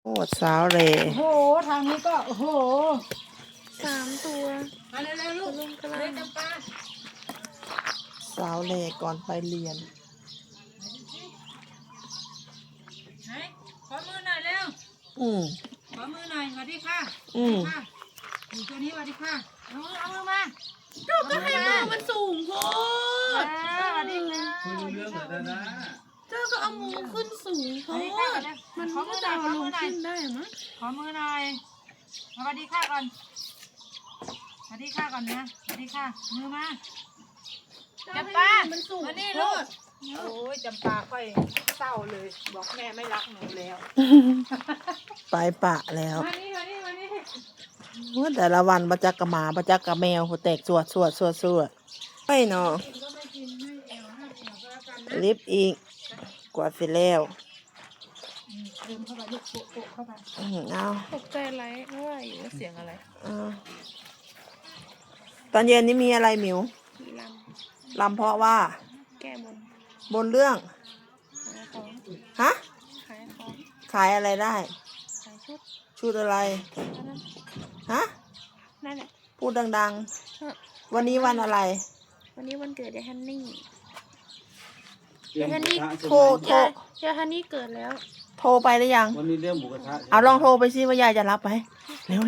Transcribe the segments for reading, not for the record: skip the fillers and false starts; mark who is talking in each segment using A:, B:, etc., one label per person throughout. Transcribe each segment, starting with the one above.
A: โอ้สาวเหล่
B: โอ้โหทางนี้ก็โอ้โห
C: 3 ตัว
B: มาเร็วๆลูก
C: ลุงกำลั
B: เร็ว
C: ง
B: จำปา
A: สาวเหล่ก่อนไปเรียน
B: ไหนขอมือหน่อยเร็ว
A: อืม
B: ขอมือหน่อยสวัสดีค่ะ
A: อืม
B: ค่ะอยู่ตัวนี้สวัสดีค่ะเอามือมา
C: ก็ให้มือมันสูงโพด
B: สวัสดีค่ะ
D: คุยรู้เรื่องเหรอเธอนะ
C: เจ้าก็เอามือขึ้นสูงโพดมันก็จะเอาลงขึ้นได้มั้ย
B: ขอมือหน่อยสวัสดีค่ะก่อนสวัสดีค่ะก่อนนะสวัสดีค่ะมือมาจำปา
C: มันสูง
B: มานี่
C: โพ
B: ลูก
C: ด
B: โอ้ยจำปาค่อยเศร้าเลยบอกแม่ไม่รักหนูแล้ว
A: ไปปะแล้ว
B: มานี่มานี่มานี่
A: ว่าแต่ละวันประจักกับหมาประจักกับแมวหัวแตกสวดไปเนาะ
B: กินก็ไม่กินไม่เอวห้ามเอวก็แล้วกันนะ
A: ลิฟต์อีกกวาดเสร็จแล้ว
B: เดินเข้าไปลูกโปะโปะเข้าไป
A: เอา
C: ตกใจไรเพราะว่าอยู่ว่าเสียงอะไร
A: เอาตอนเย็นนี้มีอะไรหมิว
C: มีล
A: ลำเพราะว่า
C: ำแก้บน
A: บนเรื่อง
C: ขายของ
A: ฮะ
C: ขายของ
A: ขายอะไรได้
C: ขายชุด
A: ชุดอะไร
C: เท่านั้น
A: ฮะ
C: นั่นแหละ
A: พูดดัง
C: เฮ้อ
A: ๆ วันนี้วันอะไร
C: วันนี้วันเกิดยายฮันนี่
D: เรื่องหมูกระทะใช่
A: โทร
D: ไหม
A: โทร
C: ยายฮันนี่เกิดแล้ว
A: โทรไปหรือยัง
D: วันนี้เรื่องหมูกระทะ
A: เอาลองโทรไปซิว่ายายจะรับไหมเร็ว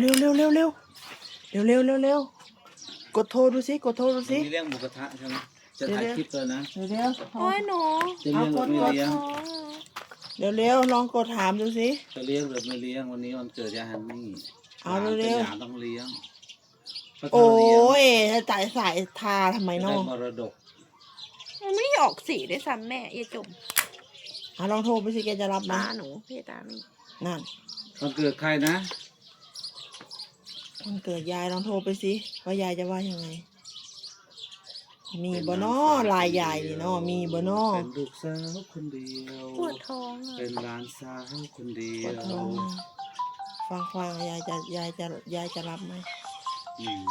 A: กดโทรดูซิกดโทรดู
D: วัน
A: ซิ
D: นี้เรื่องหมูกระทะใช่ไหมจะถ่ายคลิปเลยนะ
A: เร็ว
C: โอ้ยหนู
D: จะเลี้ยงหรือไม่เลี้ยง
C: ท้อง
A: เร็วลองกดถามดูซิ
D: จะเลี้ยงหรือไม่เลี้ยงวันนี้วันเกิดยายฮันนี่
A: เอาเร็วๆ
D: หลานต้องเลี้ยงเพราะ
A: โอ้
D: ถ้าเลี้ยง
A: ยจะจ่ายสายทาทำไม
D: ได้
A: น้อง
D: มรดก
C: มันไม่ออกสีด้วยซ้ำแม่อย่าจม
A: ลองโทรไปสิแกจะรับไหม
C: ตาหนูพี่ตามี
A: นั่น
D: วันเกิดใครนะ
A: วันเกิดยายลองโทรไปสิว่ายายจะว่ายังไง มีบ่นอลายยายนี่เนาะมีบ่นอ
D: เป็นลูกสาวคนเดียว
C: ปวดท้องอ่ะ
D: เป็นหลานสาวคนเดีย
A: ปวด
D: ว
A: ท้องฟังยายจะรับไหม
D: อืม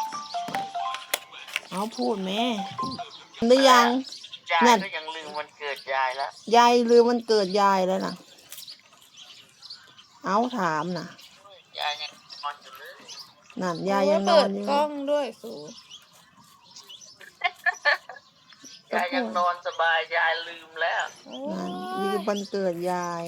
A: เอาพูดแม่หรือยัง
E: ยาย
A: นั่น
E: ก็ยังลืมวันเกิดยายแล้ว
A: ยายลืมวันเกิดยายแล้วนะเอาถามนะ
E: ยายยังนอนอยู่เลย
A: นั่นยายยังนอ
C: เปิ
A: น
C: ด
A: อยู่
C: กล้องด้วยสู
E: ยายยังนอนสบายยายลืมแล้ว
C: โอ้
A: นั่น
C: ย
A: ลืมวันเกิดยาย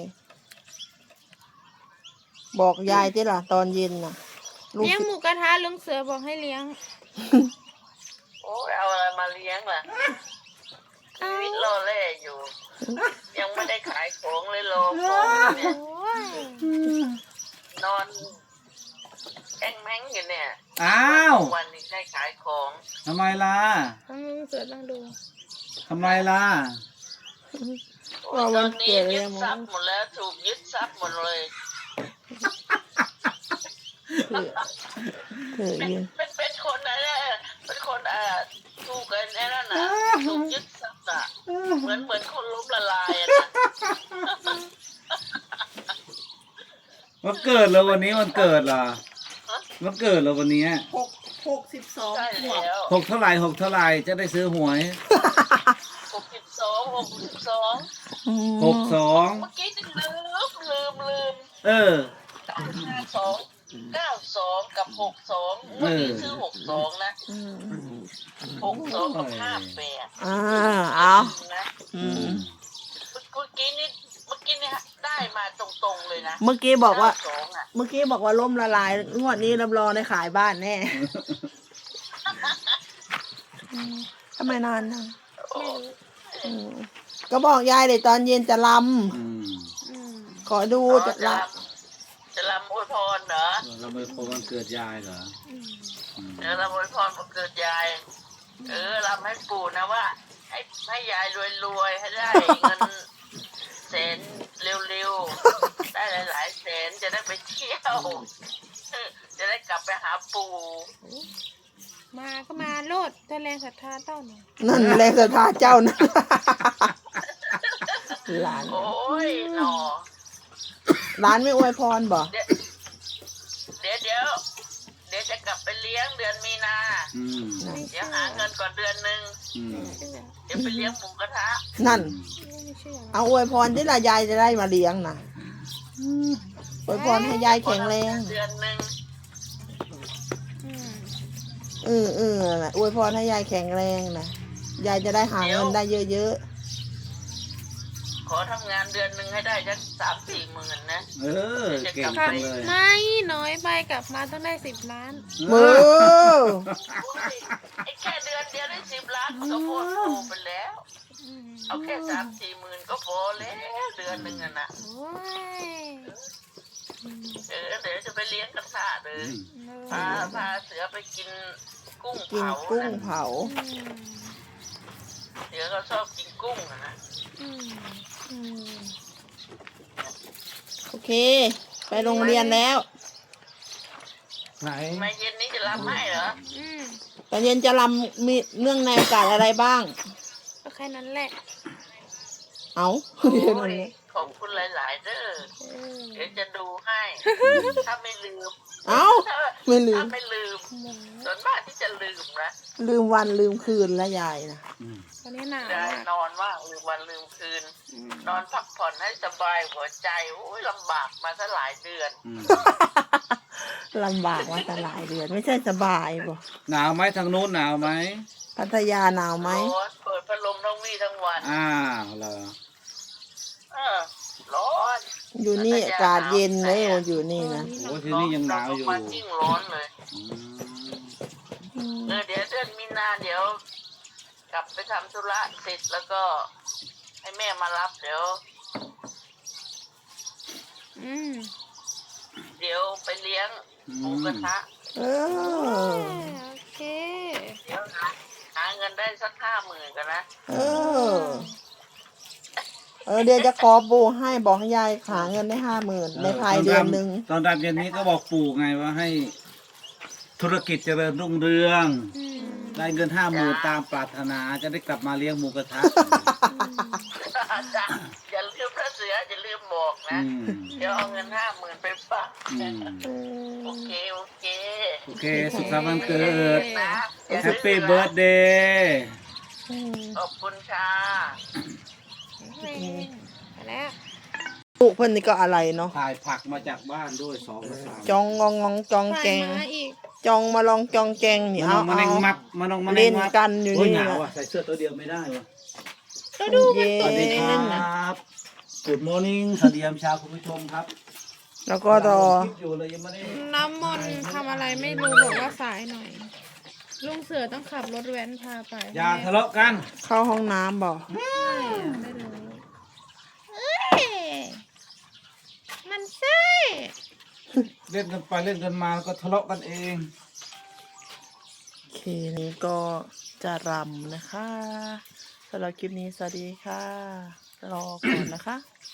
A: บอกยายที่ล่ะตอนเย็นน่ะลูก
C: เลี้ยงหมูกระทะลุงเสือบอกให้เลี้ยง
E: โอ้ยเอาอะไรมาเลี้ยงล่ะชีวิตรอแล่อยู่ ยังไม่ได้ขายของเลยรอของเนี่ย
C: โอ้ย
E: นอนแอ้งแม้งอยู่เนี่ย
D: อ้าว
E: วันนี้ได้ขายของ
D: ทำไมล่ะ
C: ต้องลุงเสือต้องดู
D: ทำไมล่ะ
E: โอ้ยตอนนี้ยึดทรัพย์หมดแล้วถูกยึดทรัพย์หมดเลย
A: เถื่อยืน
E: เป็นคนอะไรเป็นคนถูกกันนั่นน่ะถูกยึดทรัพย์อ่ะเหมือนคนล้มละลายอะนะ
D: วันเกิดแล้ววันนี้วันเกิดเหรอวันเกิดแล้ววันนี้
A: 62
E: ใช่แล้ว
D: หกเท่าไหร่จะได้ซื้อหวย
E: 62
D: 62
E: เมื่อกี้จะลืม
D: เออ
E: 92 กับ 62เมื่อกี้ซื้อ62นะ62กับ58
A: เอา
E: นะ
A: อืม
E: เมื่อกี้นี่ได้มาตรงๆเลยนะ
A: เมื่อกี้บอกว่า
E: 92อ่ะ
A: เมื่อกี้บอกว่าล่มละลายงวดนี้รับรองได้ขายบ้านแน่ทำไมนานนะ
E: โอ้
A: ก็บอกยายเลยตอนเย็นจะล
D: อืม
C: อืม
A: ำขอดูจะล
E: จะรำอวยพรเหรอ
D: เราไปพบวันเกิดยายเหรอ
C: อืม
D: อืม
E: รำอวยพรวันเกิดยายรำให้ปู่นะว่า ให้ยายรวยๆให้ได้เงินแสนเร็วๆได้หลายๆแสนจะได้ไปเที่ยวจะได้กลับไปหาปู่
C: มาก็มาโลดแต่แรงศรัทธาเต้าหน่อย
A: ำนั่นแรงศรัทธาเจ้านะหลาน
E: โอ้ยหนอ
A: หลานไม่อวยพรบ่
E: เดี๋ยวจะกลับไปเลี้ยงเดือนมีนา
D: อืม
E: เดี๋ยวหาเงินก่อนเดือนหนึ่ง
D: อืม
C: เชื่อ
E: เดี๋ยวไปเลี้ยงหมูกระทะ
A: นั่น
C: ไม่เชื่อ
A: เอาอวยพรที่ละยายจะได้มาเลี้ยงนะอวยพรให้ยายแข็งแรง
E: เดือนหนึ่ง
A: นั่นแหละอวยพรให้ยายแข็งแรงนะยายจะได้หาเงินได้เยอะ
E: ขอทำงานเดือนหนึ่งให้ได้สัก3-4 หมื่นนะ
D: เออเก่งจังเลย
C: ไม่น้อยไปกลับมาต้องได้10 ล้าน
A: ๆมือ
E: ไอ้แค่เดือนเดียวได้10 ล้านมันก็พอโตไปแล้ว เอาแค่3-4 หมื่นก็พอแล้วเดือนหนึ่งอะนะ
C: โอ้ย
E: เดี๋ยวจะไปเลี้ยงกระทะเลยพาเสือไปกินกุ้ง
A: กิน
E: เผา
A: กุ้ง
E: นะ
A: เผา
E: เสือเขาชอบกินกุ้งอะนะ
A: โอเค ไปโรงเรียนแล้ว
D: ไหน
E: มาเย็นนี้จะรับให้เหรอ
A: ตอนเย็นจะรำมีเนื่องในโอกาสอะไรบ้าง
C: ก็แค่นั้นแหละ
A: เอา
E: โอ้
A: เรียนอะไร
E: ยขอบคุณหลาย ๆ เด้อเดี๋ยวจะดูให้ ถ้าไม่ลืม
A: เอา ไม่ลื
E: ถ้าม ไม่ลืมส่วนมากที่จะลืมนะ
A: ลืมวันลืมคืนแล้วยายนะ
C: ตอนนี้หนาว
E: ได้
C: มาก
E: นอนว่างลืมวันลืมคืน นอนพักผ่อนให้สบายหัวใจโอ้ยลำบากมาซะหลายเดือน
A: ลำบากว่าแต่หลายเดือน ไม่ใช่สบายบ่
D: หนาวไหมทางนู้นหนาวไหม
A: พัทยาหนาวไหม
E: ร้อนเปิดพัดลมทั้งวี่ทั้งวัน
D: อ้าวเหรอ
E: ร้อน
A: อยู่นี่อากาศเย็นเลยอยู่นี่นะ
D: โอ้ที่นี่ยังหนาวอยู่
E: มันยิ่งร้อนเลย
D: อืม
E: เดี๋ยวเดือนมีนาเดี๋ยว กลับไปทำธุระเสร็จแล้วก็ ให้แม่มารับเดี๋ยวไปเลี้ยงหมูกระทะ
A: เออ
C: โอเค
E: เดี๋ยวหาเงินได้สัก50,000กันนะ
A: เออ เดี๋ยวจะขอปูให้บอกให้ยายหาเงินได้50,000ในภายเดือนหนึ่ง
D: ตอนดำเย็นนี้ก็บอกปู่ไงว่าให้ธุรกิจเจริญรุ่งเรือง ได้เงิน50,000ตามปรารถนาจะได้กลับมาเลี้ยงหมูกระทะ
E: อย่าลืมพระเสืออย่าลืมบอกนะ
D: อืม
E: เดี๋ยวเอาเงิน50,000ไปฝาก
D: อืม
E: โอเค
D: โอเค สุขสันต์วันเกิด
E: นะ
D: แฮปปี้เบิร์ดเดย์
E: ขอบคุณค่ะ
C: ไปแล้ว
A: ลูกเพิ่นนี่ก็อะไรเนาะ
D: ถ่ายผักมาจากบ้านด้วย2 กระสอบ
A: จองงองงองจองแกง
C: ไปมาอีก
A: จองมาลองจองแกงนี่
D: มาน้
A: เอา
D: องมาแนงมัดมาน้องมาแน
A: เล่
D: ง
A: น
D: มัด
A: กันอยู่
D: โอ้ย
A: นี่
D: หนาว
A: นะ
D: อ่ะใส่เสื้อตัวเดียวไม่ได้วะ
C: ก็ดู
A: เย็
D: สวัสดีครั
A: น
D: บ Good morning สวัสดียามเช้าคุณผู้ชมครับ
A: แล้วก็รอ
D: คลิปอยู่เลยยังไม่ได้
C: น้ำมนต์ทำอะไรไม่รู้บอกว่าสายหน่อย ลุงเสือต้องขับรถแว้นพาไป
D: อย่าทะเลาะกัน
A: เข้าห้องน้ำบอก
C: ไม่รู้เอ้ยมันใช่
D: เล่นกันไปเล่นกันมาก็ทะเลาะกันเอง
A: โอเคนี้ก็จะรำนะคะสำหรับคลิปนี้สวัสดีค่ะ รอก่อนนะคะ